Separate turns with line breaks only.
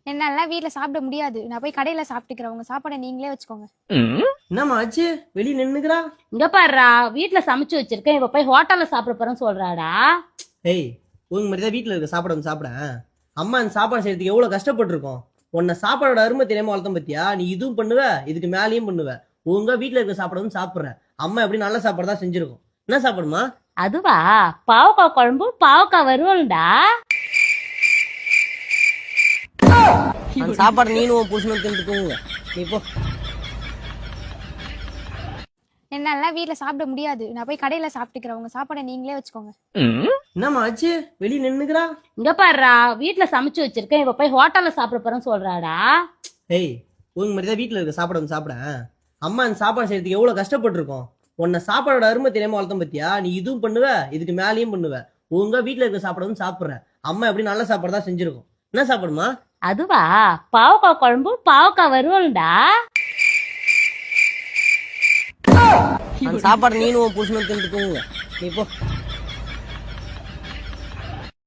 என்னால வீட்ல சாப்பிட முடியாது. நான் போய் கடையில சாப்பிட்டுக்கிறேன். உங்க சாப்பாடை நீங்களே வச்சுக்கோங்க.
என்னம்மா ஆச்சு? வெளியே நின்னுக்கிறா.
இங்க பாருடா, வீட்டுல சமைச்சு வச்சிருக்கேன், இவ போய் ஹோட்டல்ல சாப்பிட போறேன்னு சொல்றாடா.
ஏய், உங்க மாதிரி தான் வீட்டுல இருக்க சாப்பாடு வந்து சாப்பிட. அம்மா இந்த சாப்பாடு செய்யறதுக்கு எவ்வளவு கஷ்டப்பட்டிருக்கோம். உன்னை சாப்பாடோட அருமை தெரியாம வளர்த்தம் பத்தியா? நீ இதுவும் பண்ணுவ, இதுக்கு மேலேயும் பண்ணுவ. ஒழுங்கா வீட்டுல இருக்க சாப்பாடு வந்து சாப்பிடுற. அம்மா எப்படி நல்ல சாப்பாடு தான் செஞ்சிருக்கும். என்ன சாப்பாடுமா?
அதுவா, பாவக்காய் குழம்பு பாவக்காய் வருவல்டா.
அந்த சாப்பாடு நீனும் உன் புருஷனும் தின்னுக்குங்க. நீ போ.
என்னால வீட்ல சாப்பிட முடியாது. நான் போய் கடையில சாப்பிட்டுக்கிறேன். உங்க சாப்பாடை நீங்களே வச்சுக்கோங்க.
என்னம்மா ஆச்சு? வெளியே நின்னுக்கிறா.
இங்க பாருடா, வீட்டுல சமைச்சு வச்சிருக்கேன், இவ போய் ஹோட்டல்ல சாப்பிட போறேன்னு சொல்றாடா.
ஏய், உங்க மாதிரி தான் வீட்டுல இருக்க சாப்பாடு வந்து சாப்பிட. அம்மா இந்த சாப்பாடு செய்யறதுக்கு எவ்வளவு கஷ்டப்பட்டிருக்கோம். உன்னை சாப்பாடோட அருமை தெரியாம வளர்த்தம் பத்தியா? நீ இதுவும் பண்ணுவ, இதுக்கு மேலேயும் பண்ணுவ. ஒழுங்கா வீட்டுல இருக்க சாப்பாடு வந்து சாப்பிடுற. அம்மா எப்படி நல்ல சாப்பாடு தான் செஞ்சிருக்கும். என்ன சாப்பாடுமா?
அதுவா, பாவக்காய் குழம்பு பாவக்காய் வருவல்டா.
அந்த சாப்பாடு நீனும் உன் புருஷனும் தின்னுக்குங்க. நீ போ.